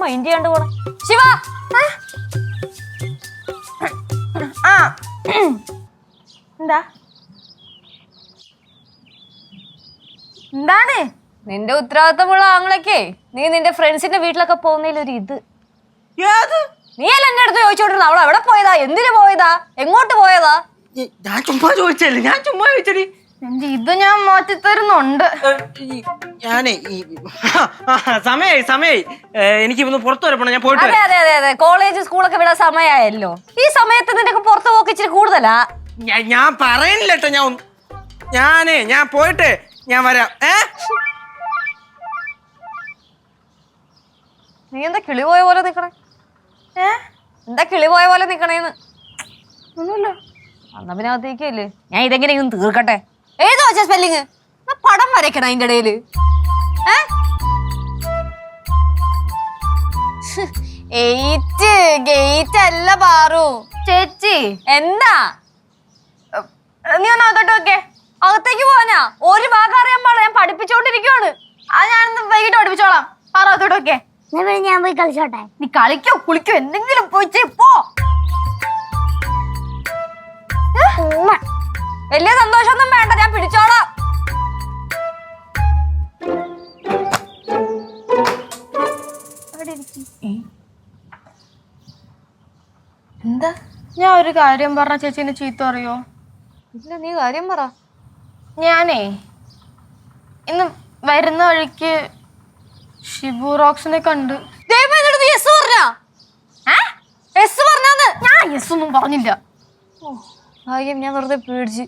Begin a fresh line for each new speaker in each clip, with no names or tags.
Mind ചെയ്യാണ്ട് പോണ ശിവ.
എന്താ എന്താണ്
നിന്റെ ഉത്തരവാദിത്തമുള്ള ആങ്ങളൊക്കെ നീ നിന്റെ ഫ്രണ്ട്സിന്റെ വീട്ടിലൊക്കെ പോകുന്നതിലൊരു ഇത് നീ അല്ല എന്റെ അടുത്ത് ചോദിച്ചോണ്ടിരുന്ന അവൾ എവിടെ പോയതാ, എന്തിനു പോയതാ, എങ്ങോട്ട് പോയതാ?
ഞാൻ ചുമ്മാ ചോദിച്ചല്ലേ, ഞാൻ ചുമ്മാ ചോദിച്ചടി.
ഇത് ഞാൻ മാറ്റി തരുന്നുണ്ട്.
ഞാനേ സമയായി എനിക്ക് ഇന്ന് പുറത്തു വരെ പോണം, ഞാൻ പോയിട്ട്.
അതെ അതെ അതെ അതെ, കോളേജ് സ്കൂളൊക്കെ വിടാൻ സമയമായല്ലോ. ഈ സമയത്ത് നിനക്ക് പുറത്ത് പോക്ക് ഇച്ചിരി കൂടുതലാ.
ഞാൻ പറയുന്നില്ല കേട്ടോ, ഞാൻ പോയിട്ട് ഞാൻ വരാം.
നീ എന്താ കിളി പോയ പോലെ നിക്കണേ? എന്താ കിളി പോയ പോലെ നിക്കണേന്ന്?
ഒന്നുമില്ല.
അന്നാ പിന്നെ അകത്തേക്കല്ലേ, ഞാൻ ഇതെങ്ങനെയൊന്നും തീർക്കട്ടെ. ഏതോ വെച്ചാ സ്പെല്ലിങ് പടം വരയ്ക്കണം അതിന്റെ ഇടയില്. ഗേറ്റ് അല്ല പാറു.
ചേച്ചി
എന്താ?
നീ ഒന്ന് അകത്തോട്ട് വെക്കേ.
അകത്തേക്ക് പോവാനാ? ഒരു ഭാഗം അറിയാൻ പാടില്ല, ഞാൻ പഠിപ്പിച്ചോണ്ടിരിക്കുവാണ്.
അത് ഞാനിന്ന് വൈകിട്ട് പഠിപ്പിച്ചോളാം. പാറ അകത്തോട്ട് വെക്കേ.
ഞാൻ പോയി കളിച്ചോട്ടെ.
നീ കളിക്കോ കുളിക്കോ എന്തെങ്കിലും പോയി പോ.
വലിയ സന്തോഷമൊന്നും വേണ്ട, ഞാൻ പിടിച്ചോളാം. എന്താ?
ഞാൻ ഒരു കാര്യം പറഞ്ഞ ചേച്ചീനെ ചീത്ത അറിയോ?
ഇല്ല, നീ കാര്യം പറ.
ഞാനേ ഇന്ന് വരുന്ന വഴിക്ക് ഷിബു റോക്സിനെ കണ്ട്. ഞാൻ യെസ് ഒന്നും പറഞ്ഞില്ല.
ഞാൻ വെറുതെ പേടിച്ച്.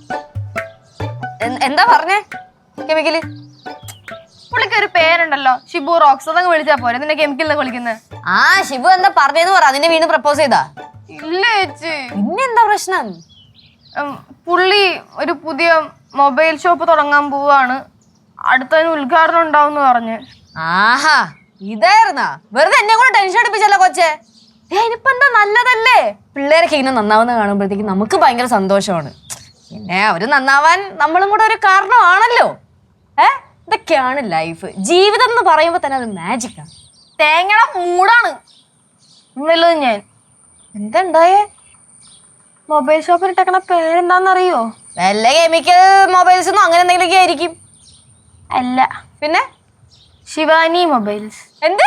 എന്താ പറഞ്ഞേ? കെമിക്കല്
പുള്ളിക്ക് ഒരു പേരുണ്ടല്ലോ, ഷിബു റോക്സ്. അതങ്ങ് വിളിച്ചാ പോരെ, നിന്നെ കെമിക്കലിനെ വിളിക്കുന്നത്.
ആ ഷിബു എന്താ പറഞ്ഞേന്ന് പറ. അതിനെ വീണ്ടും പ്രപ്പോസ് ചെയ്താ?
ഇല്ല ചേച്ചി.
പിന്നെന്താ പ്രശ്നം?
പുള്ളി ഒരു പുതിയ മൊബൈൽ ഷോപ്പ് തുടങ്ങാൻ പോവാണ്, അടുത്തതിന് ഉദ്ഘാടനം ഉണ്ടാവും പറഞ്ഞ്.
ആഹാ, ഇതായിരുന്നാ? വെറുതെ എന്നെ കൂടെ ടെൻഷൻ അടിപ്പിച്ചല്ലോ കൊച്ചെ. ഇനിയിപ്പോ എന്താ, നല്ലതല്ലേ? പിള്ളേരൊക്കെ ഇങ്ങനെ നന്നാവുന്ന കാണുമ്പോഴത്തേക്ക് നമുക്ക് ഭയങ്കര സന്തോഷമാണ്. പിന്നെ അവര് നന്നാവാൻ നമ്മളും കൂടെ ഒരു കാരണമാണല്ലോ. ഇതൊക്കെയാണ് ലൈഫ്. ജീവിതം എന്ന് പറയുമ്പോ തന്നെ അത് മാജിക്കാണ്.
തേങ്ങയുടെ മൂടാണ് ഉള്ളത്. ഞാൻ
എന്താ ഉണ്ടായേ?
മൊബൈൽ ഷോപ്പിൽ ഇട്ടേക്കണ പേരെന്താന്നറിയോ?
വല്ല കെമിക്കൽ മൊബൈൽസ് ഒന്നും അങ്ങനെ എന്തെങ്കിലുമൊക്കെ ആയിരിക്കും.
അല്ല,
പിന്നെ
ശിവാനി മൊബൈൽസ്.
എന്ത്?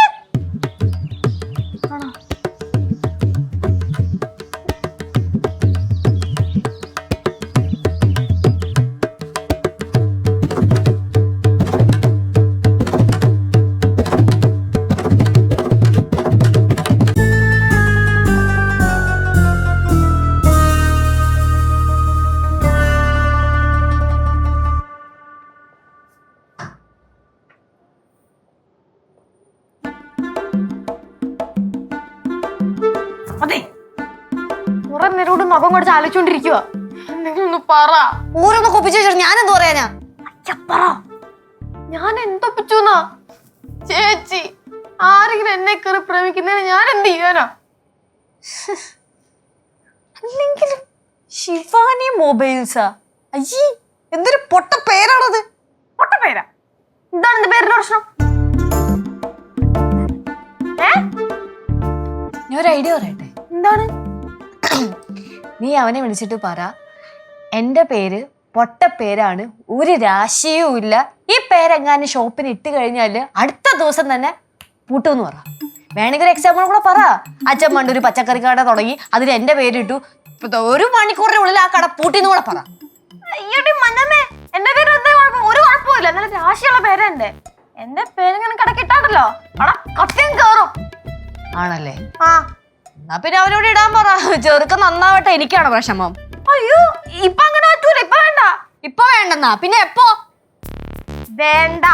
അതെ, കുറെ നേരോട് മുഖം കൊടുത്ത് ആലോചിച്ചോണ്ടിരിക്കുക. എന്തെങ്കിലും ഒന്ന് പറ.
ഊരൊന്ന് കൊപ്പിച്ചു വെച്ചിട്ട് ഞാൻ എന്ത് പറയാനാ?
പറ. ഞാൻ എന്തൊപ്പിച്ചുന്നാ ചേച്ചി? ആരെങ്കിലും എന്നെ കയറി പ്രേമിക്കുന്നതിന് ഞാൻ എന്ത് ചെയ്യാനാ?
അല്ലെങ്കിലും ശിവാനി മൊബൈൽസാ? അയ്യേ, എന്തൊരു പൊട്ട പേരാണത്.
പൊട്ട പേരാ? എന്താണ് എന്റെ പേരിന്റെ പ്രശ്നം?
ഞാൻ ഒരു ഐഡിയ പറയട്ടെ.
എന്താണ്?
നീ അവനെ വിളിച്ചിട്ട് പറ, എന്റെ പേര് പൊട്ട പേരാണ്, ഒരു രാശിയും ഇല്ല. ഈ പേരെങ്ങാനും ഷോപ്പിന് ഇട്ട് കഴിഞ്ഞാല് അടുത്ത ദിവസം തന്നെ പൂട്ടുമെന്ന് പറ. വേണമെങ്കിൽ ഒരു എക്സാമ്പിൾ കൂടെ പറ. അച്ഛൻ പണ്ട് ഒരു പച്ചക്കറി കട തുടങ്ങി, അതിൽ എന്റെ പേരിട്ടു, 1 മണിക്കൂറിന്റെ ഉള്ളിൽ ആ കട പൂട്ടിന്ന് കൂടെ പറ.
അയ്യോടി മന്നമ്മേ, എന്റെ പേര് ഒരു കുഴപ്പമില്ല. എന്നാലും രാശിയുള്ള പേരാ എന്റെ പേരിങ്ങനെ കടക്കിട്ടാണല്ലോ, കത്തിയും കേറും.
ആണല്ലേ?
ആ,
എന്നാ പിന്നെ അവനോട് ഇടാൻ പറ. ചെറുക്കം നന്നാവട്ടെ, എനിക്കാണ് വിഷമം.
അയ്യോ, ഇപ്പൊ അങ്ങനെ പറ്റൂല. ഇപ്പൊ വേണ്ട.
ഇപ്പൊ വേണ്ടെന്നാ? പിന്നെ എപ്പോ
വേണ്ട?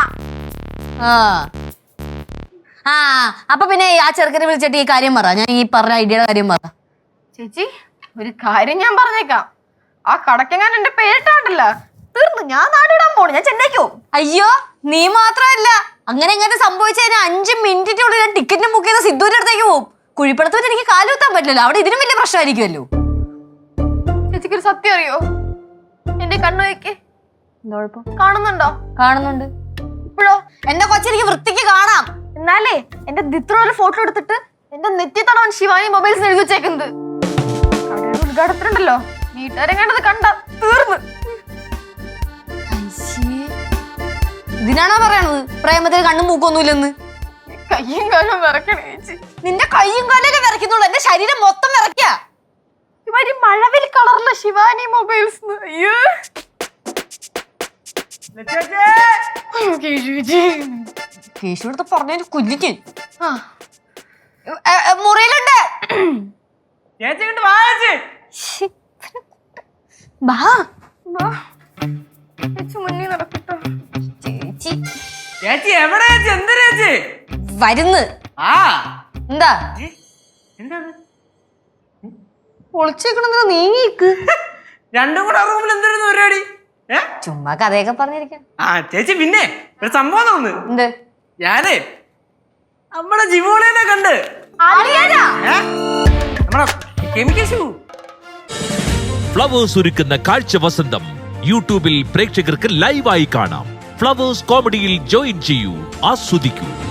ആ അപ്പൊ പിന്നെ ആ ചെറുക്കനെ വിളിച്ചിട്ട് ഈ കാര്യം പറ. ഞാൻ ഈ പറഞ്ഞ ഐഡിയയുടെ കാര്യം പറ.
ചേച്ചി, ഒരു കാര്യം ഞാൻ പറഞ്ഞേക്കാം. ആ കടക്കെങ്ങാൻ എന്റെ പേരിട്ടാണ്ടല്ലോ, തീർന്നു. ഞാൻ നാടിടാൻ പോണു. ഞാൻ ചെന്നൈക്ക് പോകും.
അയ്യോ, നീ മാത്രമല്ല, അങ്ങനെ എങ്ങനെ സംഭവിച്ചു കഴിഞ്ഞാൽ 5 മിനിറ്റിനുള്ളിൽ ഞാൻ ടിക്കറ്റ് ബുക്ക് ചെയ്ത സിദ്ധുവിന്റെ അടുത്തേക്ക് പോകും. കുഴിപ്പടത്തോട്ട് എനിക്ക് കാലുകുത്താൻ പറ്റില്ലല്ലോ, അവിടെ ഇതിനും വലിയ പ്രശ്നമായിരിക്കുമല്ലോ.
ചേച്ചിക്കൊരു സത്യം അറിയോ? എന്റെ കണ്ണു വയ്ക്ക്.
എന്താ കുഴപ്പം?
കാണുന്നുണ്ടോ?
കാണുന്നുണ്ട്.
ഇപ്പോഴോ?
എന്റെ കൊച്ചെനിക്ക് വൃത്തിക്ക് കാണാം.
എന്നാലേ എന്റെ ദിത്രയുടെ ഫോട്ടോ എടുത്തിട്ട് എന്റെ നെറ്റി തടവൻ ശിവാനി മൊബൈൽസ് എഴുതി വെച്ചേക്കുന്നത്. കടയുടെ ഉദ്ഘാടനത്തിലുണ്ടല്ലോ, വീട്ടുകാരെങ്ങാണ്ടത് കണ്ട തീർന്ന്.
ഇതിനാണോ പറയണത് പ്രേമത്തിൽ കണ്ണും മൂക്കൊന്നുമില്ലെന്ന്?
കയ്യും കാലും വിറക്കണേ ചേച്ചി.
നിന്റെ കയ്യും കാലൊക്കെ വിറയ്ക്കുന്നുള്ളൂ, എന്റെ ശരീരം മൊത്തം വിറയ്ക്ക.
ഇവര് മഴവിൽ കളറിലെ ശിവാനി മൊബൈൽസ്. അയ്യോ
കേശുടുത്ത് പറഞ്ഞു കുല്ലിക്ക്. മുറിയിലുണ്ട്.
ചേച്ചി ഇങ്ങോട്ട് വാ ചേച്ചി.
ബാ
ചേച്ചി മുന്നിൽ നടക്കട്ടോ.
ചേച്ചി
ചേച്ചി എവിടെ ചേച്ചി? എന്ത് ചേച്ചി
വരുന്ന്?
ആ
എന്താ
എന്താ
ഒളിച്ചേക്കണെന്ന് നീങ്ങിക്ക്.
രണ്ടും കൂടെ റൂമിൽ എന്തായിരുന്നു പരിപാടി?
ചുമ്മാ കഥയൊക്കെ പറഞ്ഞിരിക്കാം.
ആ ചേച്ചി പിന്നെ ഒരു സംഭവം തോന്നുന്നു.
എന്ത്?
ഞാനേ നമ്മുടെ ജിവോളേനെ കണ്ട്. നമ്മുടെ കെമിക്കൽ
ഫ്ലവേഴ്സ് ഒരുക്കുന്ന കാഴ്ച വസന്തം യൂട്യൂബിൽ പ്രേക്ഷകർക്ക് ലൈവായി കാണാം. ഫ്ലവേഴ്സ് കോമഡിയിൽ ജോയിൻ ചെയ്യൂ, ആസ്വദിക്കൂ.